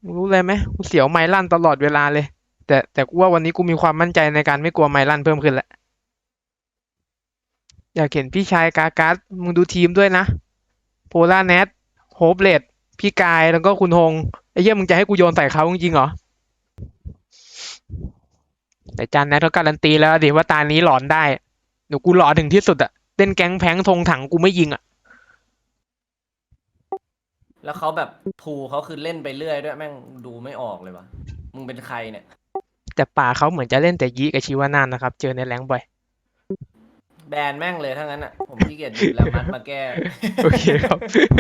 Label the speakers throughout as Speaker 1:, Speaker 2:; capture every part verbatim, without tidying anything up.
Speaker 1: รู้เลยไหมกูเสียวไมลั่นตลอดเวลาเลยแต่แต่กูว่าวันนี้กูมีความมั่นใจในการไม่กลัวไมลั่นเพิ่มขึ้นแล้วอยากเห็นพี่ชายกาการ์ดมึงดูทีมด้วยนะโพล่าแนทโฮปเลดพี่กายแล้วก็คุณฮงไอ้เหี้ยมึงจะให้กูโยนใส่เขาจริงๆเหรอแต่จานแนทเขาการันตีแล้วดิว่าตานี้หลอนได้เดี๋ยวกูหลอนถึงที่สุดอะเล่นแก๊งแพงธงถังกูไม่ยิงอะ
Speaker 2: แล้วเขาแบบพูเขาคือเล่นไปเรื่อยด้วยแม่งดูไม่ออกเลยวะมึงเป็นใครเนี่ย
Speaker 1: แต่ป่าเขาเหมือนจะเล่นแต่ยีกับชิวานานนะครับเจอในแรงค์บ่อย
Speaker 2: แบนแม่งเลยทั้งนั้นอ่ะผมขี้เกียจหยิบแล้วมัดมาแก้
Speaker 1: โอเคครับ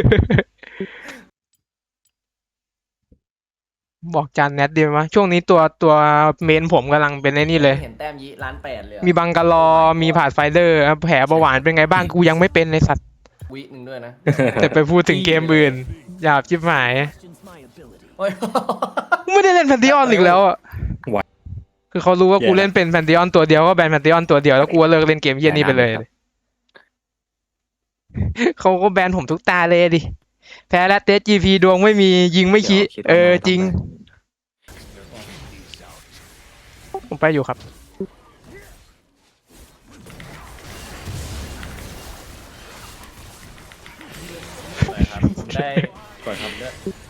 Speaker 1: บอกจานแนทดีไหมช่วงนี้ตัวตัวเมนผมกำลังเป็นไอ้นี่เลย
Speaker 2: เห็นแต้มยีล้านแปดเลย
Speaker 1: มีบังกะลอมีผาดไฟเดอร์แผลเบาหวานเป็นไงบ้างกูยังไม่เป็นเลยสัตว์
Speaker 2: วิหนึ่งด้วยนะ
Speaker 1: แต่ไปพูดถึงเกมอื่นหยาบชิบหาย
Speaker 2: โอ้ย
Speaker 1: ไม่ได้เล่นแพนติออนอีกแล้วอ่ะคือเขารู้ว่ากูเล่นเป็นแพนติออนตัวเดียวก็แบนแพนติออนตัวเดียวแล้วกูก็เลิกเล่นเกมเย็นนี้ไปเลยเขาก็แบนผมทุกตาเลยดิแพ้แล้วเตสจีพีดวงไม่มียิงไม่คิเออจริงผมไปอยู่ครับ
Speaker 2: ได้
Speaker 3: ก่อนครับ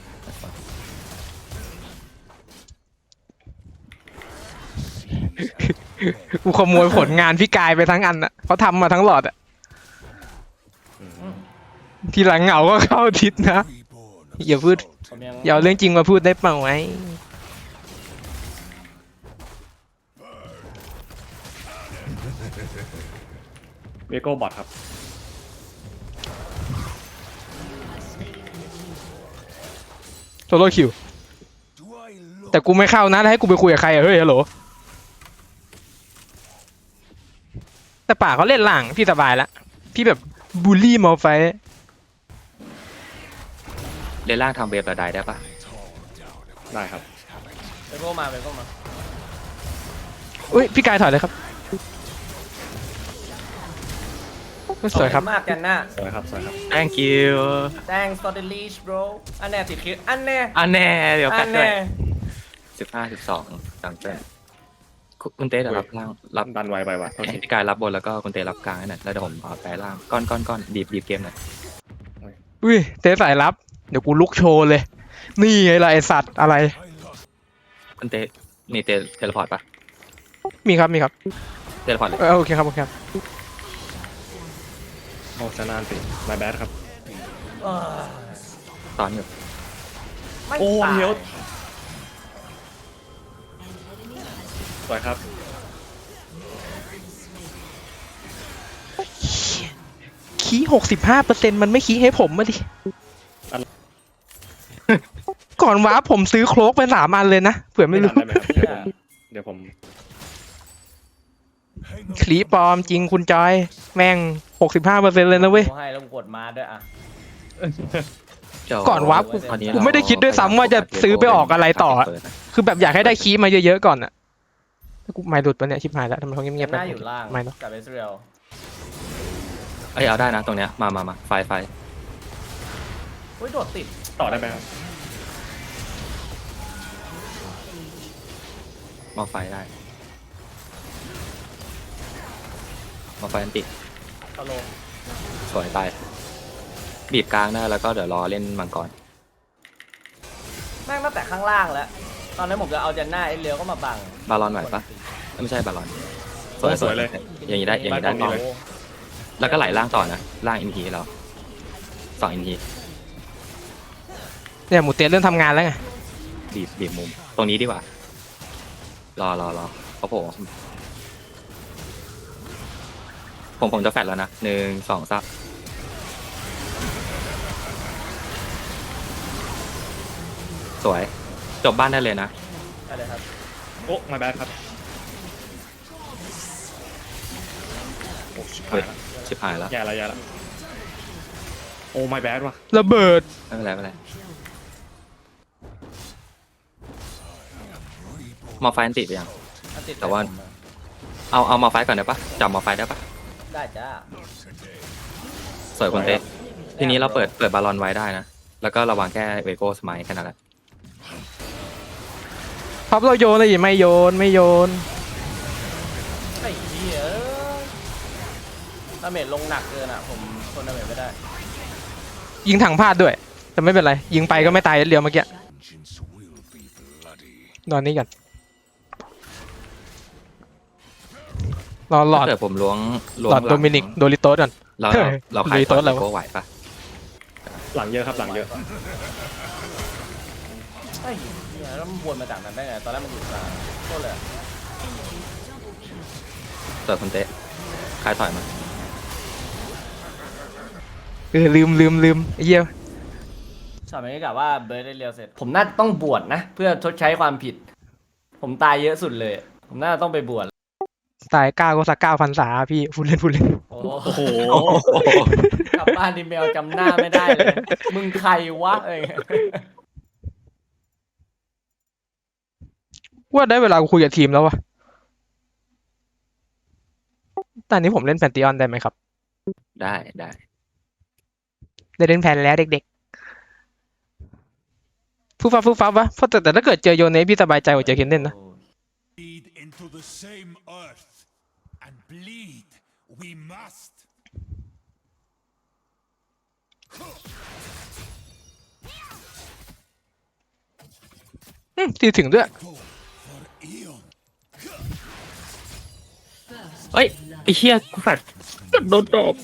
Speaker 1: กูขโมยผลงานพี่กายไปทั้งอันอ่ะเขาทำมาทั้งหลอดอ่ะทีหลังเหงาก็เข้าทิศนะอย่าพูด
Speaker 2: ผมยัง
Speaker 1: อย่าเอาเรื่องจริงมาพูดได้เปล่าไหม
Speaker 3: เวโก้บอทครับ
Speaker 1: โซโล่คิวแต่กูไม่เข้านะแล้วให้กูไปคุยกับใครอะเฮ้ยฮัลโหลแต่ป่าเขาเล่นหลังพี่สบายละพี่แบบบูลลี่มอลไฟ
Speaker 4: เลนล่างทำเวฟระไดได้ปะ
Speaker 3: ได้ครับ
Speaker 2: ไปโก้มาไปโก้มา
Speaker 1: อุ้ยพี่กายถอยเลยครับสวยครับ
Speaker 2: ขอณมากกันนะ
Speaker 3: สวยครับสวยครับ
Speaker 4: thank you
Speaker 2: thanks for the leash bro อันแน่ติดคิดอันแน่
Speaker 4: อันแน่เดี๋ยว
Speaker 2: อั
Speaker 4: กัน
Speaker 2: น
Speaker 4: ด้วย
Speaker 2: แน่
Speaker 4: สิบห้าสิบสองจังเต้นคุณเต้เดี๋ยวรับล่างรับ
Speaker 3: ดันไวไปว่ะโทษที
Speaker 4: พี่กายรับบนแล้วก็คุณเต้รับกลางให้หน่อยแล้วเดี๋ยวผมเอาแปรล่างก้อนก้อนก้อนดีบดีบเกมหน่อย
Speaker 1: อุ้ยเตะสายลับเดี๋ยวกูลุกโชว์เลย นี่ไงล่ะไอสัตว์อะไร
Speaker 4: คุณเต้มีเต้เทเลพอร์ตปะ
Speaker 1: มีครับมีครับ
Speaker 4: เทเลพอร์ตเลย
Speaker 1: เออโอเคครับโอเคครับ
Speaker 3: โอ้ชนะสิ my bad ครับ
Speaker 2: เอ้ย
Speaker 4: ตอนอยู่
Speaker 2: ไม่
Speaker 3: โอ้
Speaker 2: ตาย
Speaker 3: เฮียวสวยครับ
Speaker 1: คีหกสิบห้าเปอร์เซ็นต์มันไม่คีให้ผมมาดิ ก่อนว้าร์ปผมซื้อโครกไปสามอันเลยนะเผื่อไม่
Speaker 3: ไม่
Speaker 1: รู้
Speaker 3: ทันได้ไหมครับ เดี๋ยวผม
Speaker 1: คลีปลอมจริงคุณจอย แม่งหกสิบห้าเปอร์เซ็นต์เลยนะเว้ย
Speaker 2: ให้แล้วกดมาด้วยอ่ะ
Speaker 4: เดี๋ยว
Speaker 1: ก่อนวับ
Speaker 4: ตอนนี้
Speaker 1: กูไม่ได้คิดด้วยซ้ำว่าจะซื้อไปออกอะไรต่ออะ คือแบบอยากให้ได้คีย์มาเยอะๆก่อนอะกูไม่หลุดปะเนี่ยชิบหายแล้วทำไมเขาเงียบๆ
Speaker 2: ห
Speaker 1: ไป
Speaker 2: น้าอยู่ล่าง
Speaker 1: ไม่เนาะ
Speaker 2: กับเอสเรียล
Speaker 4: เอ้ยเอาได้นะตรงเนี้ยมามามาไฟไฟ
Speaker 2: อุ้ยโดดติด
Speaker 3: ต่อได้ไหมครับ
Speaker 4: มาไฟได้มาไฟอันติ
Speaker 2: เอาลง
Speaker 4: สวยไปบีบกลางได้แล้วก็เดี๋ยวรอเล่นมังกร
Speaker 2: แม่งตั้งแต่ข้างล่างแล้ว ตอนนั้นผมจะเอาจันหน้าเอสเรียลก็มาบัง
Speaker 4: บาลอนไหวปะไม่ใช่บาลอนสวย
Speaker 3: สวยเลย
Speaker 4: อย่างนี้ได้อย่างนี้ได้
Speaker 3: ได้
Speaker 4: ต่อ
Speaker 3: เลย
Speaker 4: แล้วก็ไหลล่างต่อนะล่างอินทีเราสองอินที
Speaker 1: เนี่ยหมูเตี้ยเริ่มทำงานแล้วไง
Speaker 4: บีบบีบมุมตรงนี้ดีกว่า รอรอรอเขาโผล่ผมผมจะแฟดแล้วนะหนึ่งสองสามสวย จบบ้านได้เลยนะ
Speaker 2: ได้เลยครับ
Speaker 3: โอ้ my bad ครับโอ้ชิบหายละ
Speaker 4: ชิบหายแล้ว
Speaker 3: แย่ละแย่ละโอ้ my bad ว่ะ
Speaker 1: ระเบิด
Speaker 4: ไม่เป็นไรไม่เป็นไรมาไฟอันติดไปยัง
Speaker 2: อันติด
Speaker 4: แต่ว่า เอาเอามาไฟก่อนได้ปะจับมาไฟได้ปะ
Speaker 2: ได้จ้า
Speaker 4: สวยคนเต้ทีนี้เราเปิดเปิดบาลอนไว้ได้นะ แล้วก็ระวังแค่เวโก้สมัยแค่นั้นแหละ
Speaker 1: ท็อปเราโยนเลยไม่โยนไม่โยน
Speaker 2: ไอ้เหี้ยดาเมจลงหนักเกินอ่ะผมทนดาเมจไม่ได้
Speaker 1: ยิงถังพลาดด้วย แต่ไม่เป็นไร ยิงไปก็ไม่ตายเดียวเมื่อกี้นอนนี่กันรอหลอด
Speaker 4: ถ้าเกิดผมล้วงล้ว
Speaker 1: หล
Speaker 4: ง
Speaker 1: อดโดมินิกโดริโตสก่อน
Speaker 4: เรา
Speaker 1: เฮ้
Speaker 4: เรา
Speaker 1: ย
Speaker 4: เราขาย
Speaker 1: โดริ
Speaker 4: ต่
Speaker 1: โต้
Speaker 4: อ
Speaker 1: อะไรวะ
Speaker 4: โก้ไหวปะ
Speaker 3: หลังเยอะครับหลังเยอะ
Speaker 2: ไอ้เหี้ยแล้วมันวนมาจากนั้นได้ไงตอนแรกมันอยู่กลางโคตรเลยอะ
Speaker 4: เปิดคนเตะขายถอยมา
Speaker 1: เออลืมลืมลืมไอ้เหี้ย
Speaker 2: ช็อตนี้กะว่าเบิร์ดได้เร็วเสร็จ ผมน่าจะต้องบวชนะ เพื่อชดใช้ความผิด ผมตายเยอะสุดเลย ผมน่าจะต้องไปบวช
Speaker 1: ตายเก้าก็สักเก้าพันษาพี่พูดเล่นพูดเล่น
Speaker 2: โอ้
Speaker 3: โอ้โห
Speaker 2: กลับบ้านดิเมลจำหน้าไม่ได้เลย มึงใครวะเอ้ย
Speaker 1: ว่าได้เวลากูคุยกับทีมแล้ววะตอนนี้ผมเล่นแพนติออนได้ไหมครับ
Speaker 4: ได้ได้
Speaker 1: ได้เล่นแพนแล้วเด็กๆฟูฟ้าฟูฟ้าวะเพราะแต่แต่ถ้าเกิดเจอโยเนสพี่สบายใจกว่าเจอเคนเดนนะ
Speaker 5: Bleed into the same earth, and bleed we must.
Speaker 1: อืมตีถึงด้วย
Speaker 5: Go for Eon.
Speaker 4: เฮ้ยไอ้เหี้ยกูแฟดโดนตบ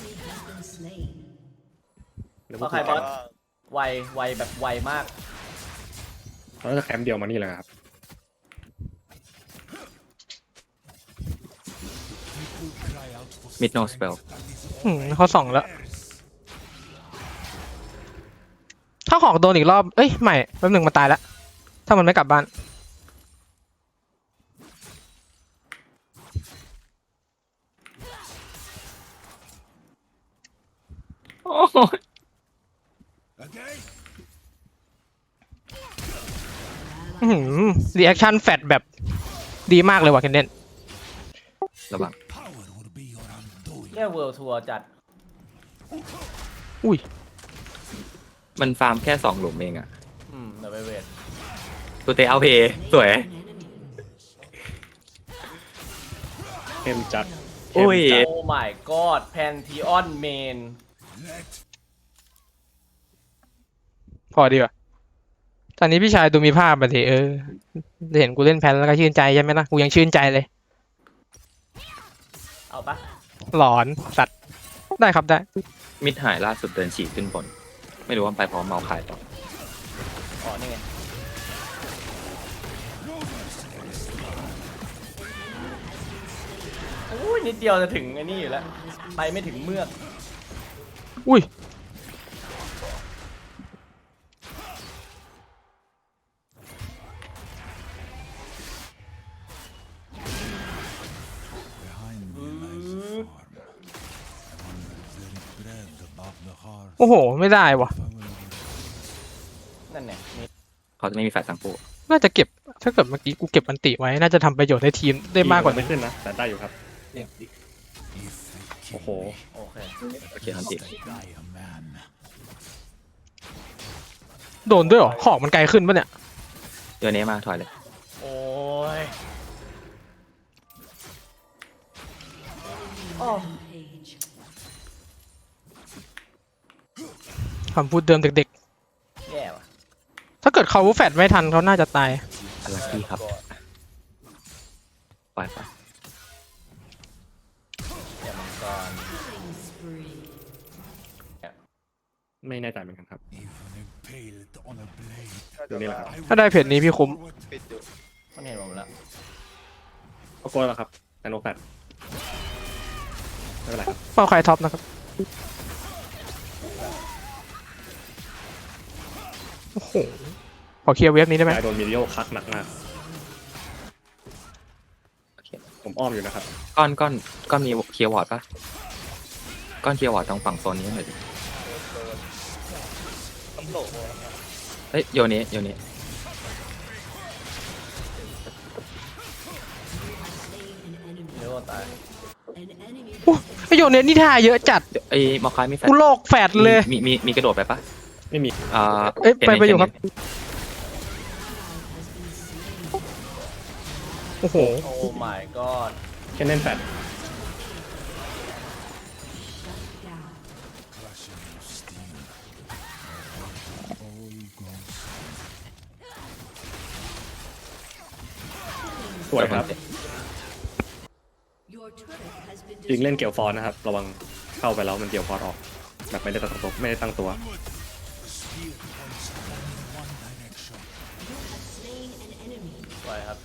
Speaker 2: เพราะใครบอสไวไวแบบไวมาก
Speaker 3: เราจะแคมป์เดียวมานี่แหละครับ
Speaker 4: มิดโนสเปล
Speaker 1: อืมเขาส่องแล้ว ถ้าหอกโดนอีกรอบ เอ้ยไม่แป๊บหนึ่งมันตายแล้ว ถ้ามันไม่กลับบ้าน
Speaker 4: โอ้โห
Speaker 5: Again?
Speaker 1: อืมรีแอคชั่นแฟดแบบดีมากเลยว่ะเคนเดน
Speaker 4: ระวัง
Speaker 5: Power will be your undoing.
Speaker 2: แค่เวิลด์ทัวร์จัด
Speaker 1: อุ้ย
Speaker 4: มันฟาร์มแค่สองหลุมเองอะ
Speaker 2: อืมเดี๋ยวไปเวท
Speaker 4: กูเตะเอาเพย์สวย
Speaker 3: เข้มจัด
Speaker 4: โอ้ย
Speaker 2: โอ้ my god แพนทีออนเมน
Speaker 5: Let
Speaker 1: พอดีกว่าตอนนี้พี่ชายดูมีภาพมาทีเออเห็นกูเล่นแพนแล้วก็ชื่นใจใช่ไหมนะกูยังชื่นใจเลย
Speaker 2: เอาปะ
Speaker 1: หลอนสัตว์ได้ครับได้
Speaker 4: มิดหายล่าสุดเดินฉีกขึ้นบน ไม่รู้ว่าไปพร้อมเมาขายต่อ
Speaker 2: อ๋อนี่ไงโอ้ยนิดเดียวจะถึงไอ้นี่อยู่แล้ว ไปไม่ถึงเมือก
Speaker 1: อุ้ย
Speaker 5: behind me lies a farm. On the very bread above the hearth.
Speaker 1: โอ้โห ไม่ได้ว่ะ
Speaker 5: I will
Speaker 2: นั่นไงนี่
Speaker 4: เขาจะไม่มีแฟลชทั้งคู่
Speaker 1: น่าจะเก็บ ถ้าเกิดเมื่อกี้กูเก็บอันติไว้ น่าจะทำประโยชน์ให้ทีมได้มากกว่า
Speaker 3: ไม่
Speaker 1: นี้
Speaker 3: ขึ้นนะ แต่ได้อยู่ครับ
Speaker 5: if they
Speaker 3: โอ้โห
Speaker 2: โอเค
Speaker 4: โอเคทันที
Speaker 5: die a man.
Speaker 1: โดนด้วยเหรอ หอกมันไกลขึ้นปะเนี่ย
Speaker 4: เดี๋ยวนี้มาถอยเลย
Speaker 2: โอ้ยโอ้
Speaker 1: คำพูดเดิมเด็ก
Speaker 2: แย่ว่ะ
Speaker 1: ๆ ถ้าเกิดเขาแฟดไม่ทันเขาน่าจะตาย
Speaker 4: อลักกี้ครับปล่อยไป
Speaker 2: เดี๋ยวมังกร
Speaker 3: ไม่แน่ใจเหมือนกันครับ
Speaker 5: Even impaled on a blade.
Speaker 3: เดี๋ยวนี้แหละครับ
Speaker 5: I
Speaker 1: ถ้าได้เพจนี้พี่คุ้ม
Speaker 2: มันเห็นผมแล้ว
Speaker 3: เอาโก้แล้วครับแต่โนแฟดไม่เป็นไรครับ
Speaker 1: เป้าใครท็อปนะครับ โอ้โห ขอเคลียร์เว็บนี้ได้ไหม
Speaker 3: ยายโดนมิเดียลคัดหนักมาก
Speaker 4: โอเค
Speaker 3: ผมอ้อมอยู่นะครับ
Speaker 4: ก้อนก้อนก้อนมีเคลียร์วอร์ดปะก้อนเคลียร์วอร์ดตรงฝั่งโซนนี้หน่อยดิเฮ้ยโยนี้โยนี้
Speaker 2: เดี๋ยวตาย
Speaker 1: โอ้ไอโยเนสนี่ท่าเยอะจัด
Speaker 4: ไอ้มอคคายมีแฟลช
Speaker 1: กูโลกแฟดเลย
Speaker 4: มีมีมีกระโดดไปปะ
Speaker 3: ไม่มี
Speaker 4: อ่า
Speaker 1: เอ้ยไปไปอยู่ครับโอ้โห
Speaker 2: โอ้ my god
Speaker 3: แค่เล่นแฟด
Speaker 5: Crushing of steel. All goes
Speaker 3: สวยครับ
Speaker 6: Your turret has been
Speaker 3: จริงเล่นเกี่ยวฟอนนะครับ ระวังเข้าไปแล้วมันเกี่ยวฟอนออก แบบไม่ได้ตั้งตัวไม่ได้ตั้งตัว
Speaker 5: onward. The spear points only one direction.
Speaker 6: slain an enemy.
Speaker 2: สวยครับ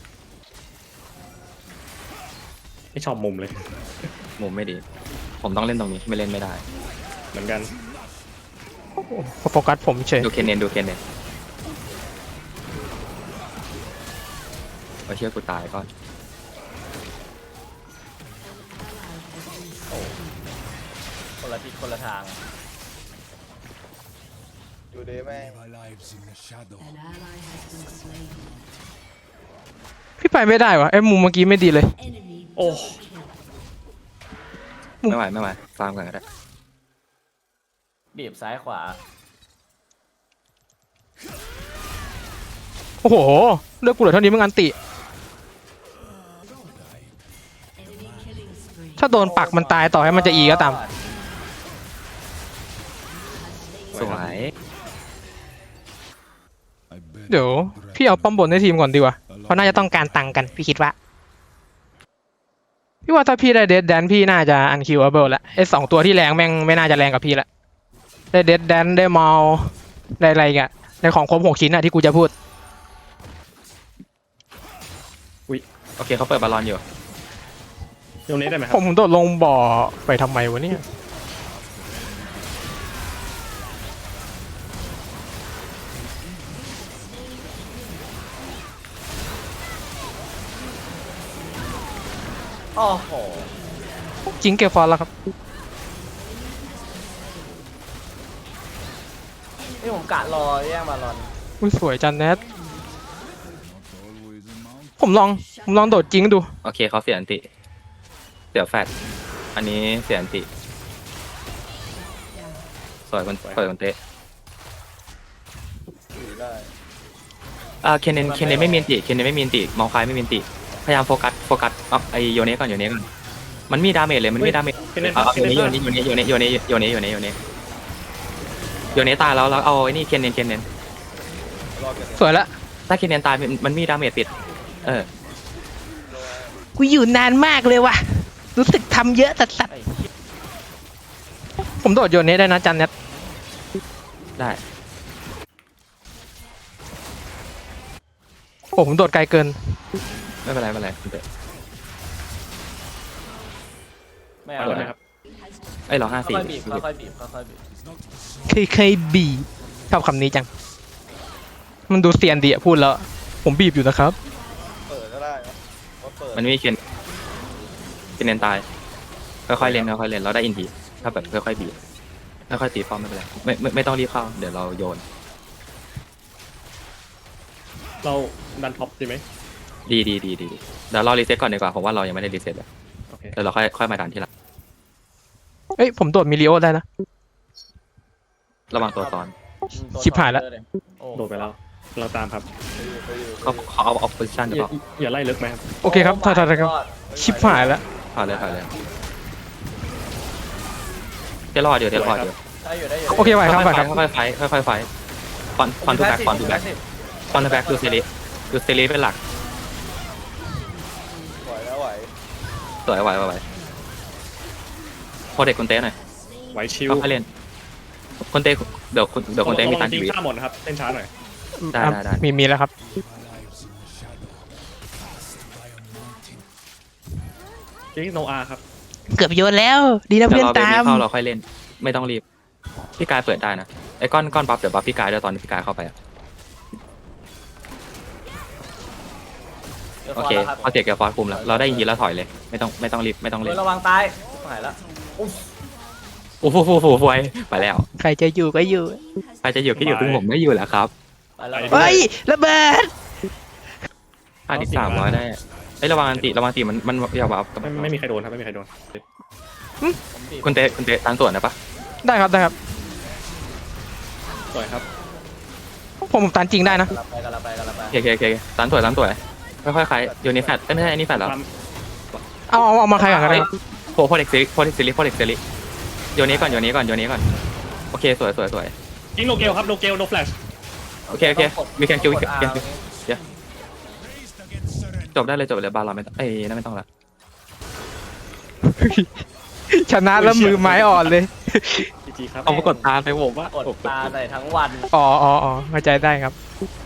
Speaker 3: ไม่ชอบมุมเลย
Speaker 4: มุมไม่ดี ผมต้องเล่นตรงนี้ไม่เล่นไม่ได้
Speaker 3: เหมือนกัน
Speaker 1: โฟกัสผมเฉย
Speaker 4: ดูเคนเนนดูเคนเนนโอเชื่อกูตายก่อน
Speaker 2: คนละทิศคนละทาง
Speaker 5: Live our lives in the shadow.
Speaker 6: An ally has been slain.
Speaker 1: พี่ไปไม่ได้วะไอ้มุมเมื่อกี้ไม่ดีเลย
Speaker 6: Enemy
Speaker 3: โอ้
Speaker 6: double kill.
Speaker 4: ไม่ไหวไม่ไหวฟาร์มกันก็ได้
Speaker 2: บีบซ้ายขวา
Speaker 1: โอ้โหเลือกกูเหลือเท่านี้มึงอันติ
Speaker 6: Enemy killing spree.
Speaker 1: ถ้าโดนปักมันตายต่อให้มันจะอีก็ตาม
Speaker 4: สวย
Speaker 5: I bet
Speaker 1: เดี๋ยวพี่เอาป้อมบนในทีมก่อนดีกว่าเพราะน่าจะต้องการตังค์กันพี่คิดว่า พี่ว่าถ้าพี่ได้เดดแดนพี่น่าจะอันคิวเบิลละไอ้สองตัวที่แรงแม่งไม่น่าจะแรงกับพี่ละได้เดดแดนได้เมาได้อะไรกันในของครบหกชิ้นอะที่กูจะพูด
Speaker 4: โอเคเขาเปิดบอลลอนอยู่
Speaker 3: ตรงนี้ได้ไหมค
Speaker 1: ผ
Speaker 3: รับ
Speaker 1: มโดดลงบ่อไปทำไมวะเนี่ย
Speaker 2: โอ้โห
Speaker 1: จิงเกฟอนแล้วครับ
Speaker 2: นี่ผมกะรอแย่งบาลอน
Speaker 1: อุ้ยสวยจันแนท
Speaker 5: always a mount.
Speaker 1: ผมลองผมลองโดดจิงดู
Speaker 4: โอเคเขาเสียอันติเสียแฟดอันนี้เสียอันติสวยคนสวยคนเตะ
Speaker 2: ถือได้
Speaker 4: อ่าเคนเนนเคนเนนไม่มีอันติเคนเนนไม่มีอันติมองคายไม่มีอันติพยายามโฟกัสโฟกัสเอาไอโยเนะก่อนโยเนะก่อนมันมีดาเมจเลยมันมีดาเมจ
Speaker 3: เคนเนน
Speaker 4: เอาเอา
Speaker 3: เคนเนน
Speaker 4: โยเนะโยเนะโยเนะโยเนะโยเนะโยเนะโยเนะโยเนะตายแล้วแล้วเอาไอ้นี่เคนเนนเคนเนน
Speaker 2: รอกัน
Speaker 1: สวยละ
Speaker 4: ถ้าเคนเนนตายมันมันมีดาเมจปิดเออ
Speaker 1: กูอยู่นานมากเลยว่ะรู้สึกทำเยอะสัส
Speaker 2: ไอ้เหี้ย
Speaker 1: ๆผมโดดโยนนี้ได้นะจันแนท
Speaker 4: ได้
Speaker 1: โอ้ผมโดดไกลเกิน
Speaker 4: ไม่เป็นไรไม่เป็นไรคุณเตะ
Speaker 2: ไม่
Speaker 3: ไป
Speaker 2: เอา
Speaker 3: ก่อน
Speaker 2: เล
Speaker 3: ไหม
Speaker 2: ย
Speaker 3: ครับ
Speaker 4: ไอ้ยเราห้าสี่
Speaker 2: ค่อยๆบีบค่อยๆบีบค่อยๆบีบ
Speaker 1: เคยเคยบีบชอบคำนี้จัง มันดูเซียนดีอะพูดแล้ว ผมบีบอยู่นะครับ
Speaker 4: มันไม่มีเคนเคนเนนตายค่อยๆเล่นค่อยๆเล่นเราได้อินทีถ้าแบบค่อยๆบีบค่อยๆตีป้อมไม่เป็นไรไม่ไม่ไม่ต้องรีบเข้าเดี๋ยวเราโยน
Speaker 3: เราดันท็อปดีไหม
Speaker 4: ดีดีดีดีดีเดี๋ยวเรารีเซ็ตก่อนดีกว่าผมว่าเรายังไม่ได้รีเซ็ตเลย
Speaker 3: โอเค
Speaker 4: เดี๋ยวเราค่อยค่อยมาดันทีหลัง
Speaker 1: เอ้ยผมโดดมิลิโอได้นะ
Speaker 4: ระวังตัวซ้อน
Speaker 2: ตัว
Speaker 1: ชิบหายละ
Speaker 2: โอ้
Speaker 3: โดดไปแล้ว เราตามครับ
Speaker 4: เขาเขาเอาเอาโพซิชัน
Speaker 3: อ
Speaker 4: จะ
Speaker 3: ย่า
Speaker 4: บอก
Speaker 3: อย่าไล่ลึกไหมครับ
Speaker 1: โอเคครับถอยถอยถอยครับ ชิบหายแล้ว
Speaker 4: ผ่านเลยผ่านเลยเทรอดอยู่เทรอดอยู่
Speaker 2: ได้อยู่ได้อยู่
Speaker 1: โอเคไหวครับไหวครับ
Speaker 4: ค่อยๆไฟค่อยๆไฟคอนคอนทูแบ็กคอนทูแบ็กคอนทูแบ็กดูเซรีดูเซรีเป็นหลัก
Speaker 2: ไหวแล้วไหว
Speaker 4: สวยไหวไหวไหวโคเด็กคนเต้หน่อย
Speaker 3: ไหวชิว
Speaker 4: ค่อยๆเล่นคนเต้เดี๋ยวคุณเดี๋ยวคนเต้มีตัน
Speaker 3: จริ
Speaker 4: ที
Speaker 3: ง
Speaker 4: วี
Speaker 3: ข้ามหมดนะครับเล่นช้าหน่อย
Speaker 4: ได้ได้ได้
Speaker 1: มีมีแล้วครับ
Speaker 5: Live our lives in the shadow. Cast by a mountain.
Speaker 3: จริงโนอาครับ
Speaker 1: เกือบโยนแล้ว ดีนะ
Speaker 4: เดี๋ย
Speaker 1: เพื่
Speaker 4: ว
Speaker 1: อน
Speaker 4: เราไป
Speaker 1: ตา
Speaker 4: มี
Speaker 1: ม
Speaker 4: เข้าเราค่อยเล่น ไม่ต้องรีบพี่กายเปิดได้นะไอ้ก้อนก้อนบัฟเดี๋ยวบัฟพี่กายด้วยตอนพี่กายเข้าไปอะโอเคพอเสียเกียร์ฟอร์คุมแล้วเราได้ยินแล้วถอยเลยไม่ต้องไม่ต้องรีบไม่ต้อง
Speaker 2: เฮ้
Speaker 4: เล่
Speaker 2: ย
Speaker 4: น
Speaker 2: ระวังตายหายแล้วอุ๊ย
Speaker 4: โอ้โหโอ้โหโอ้โหไปแล้ว
Speaker 1: ใครจะอยู่ก็อยู่
Speaker 4: ใครจะอยู่ก็อยู่ถึงผมไม่อยู่แล้วครับ
Speaker 2: ไปแล้ว
Speaker 1: เฮ้ยระเบิด
Speaker 4: ห้าสิบสามร้อยได้ไอ้ยระวังอันติระวังอันติมันมันอย่าบัฟ
Speaker 3: ไม่ไม่มีใครโดนครับไม่มีใครโดน
Speaker 2: ผมบีบ
Speaker 4: คุณเตะคุณเตะตันส่วนนะปะ
Speaker 1: ได้ครับได้ครับ
Speaker 3: สวยครับ
Speaker 1: ผมผมตันจริงได้นะ
Speaker 2: กลับไปกลับไปกลับไป
Speaker 4: โอเคโอเคโอเคตันส่วนตันส่วนค่อยๆคลายโยนนี้แฟดเอ้ยไม่ใช่อันนี้แฟดแล้ว
Speaker 1: เอาเอาเอามาใครก่อนก็ได้
Speaker 4: โพโพเด็กซิลิโพเด็กซิลิโพเด็กซิลิโยนนี้ก่อนโยนนี้ก่อนโยนนี้ก่อนโอเคสวยสวยสวย
Speaker 3: ยิงโนเกลครับโนเกลโนแฟลช
Speaker 4: โอเคโอเคมีแคนคิวมี
Speaker 2: กด
Speaker 4: แคน
Speaker 2: R
Speaker 4: คิวจบได้เลยจบเลยบาลเราไม่ต้องเอ้ยนั่นไม่ต้องละ
Speaker 1: ชนะแล้วมือไม้อ่อนเลย
Speaker 3: จีจีครับ
Speaker 4: เอามากดตาไปผมว่าก
Speaker 2: ดตาใส่ทั้งวัน
Speaker 1: อ๋ออ๋ออ๋อเข้าใจได้ครับ
Speaker 2: เ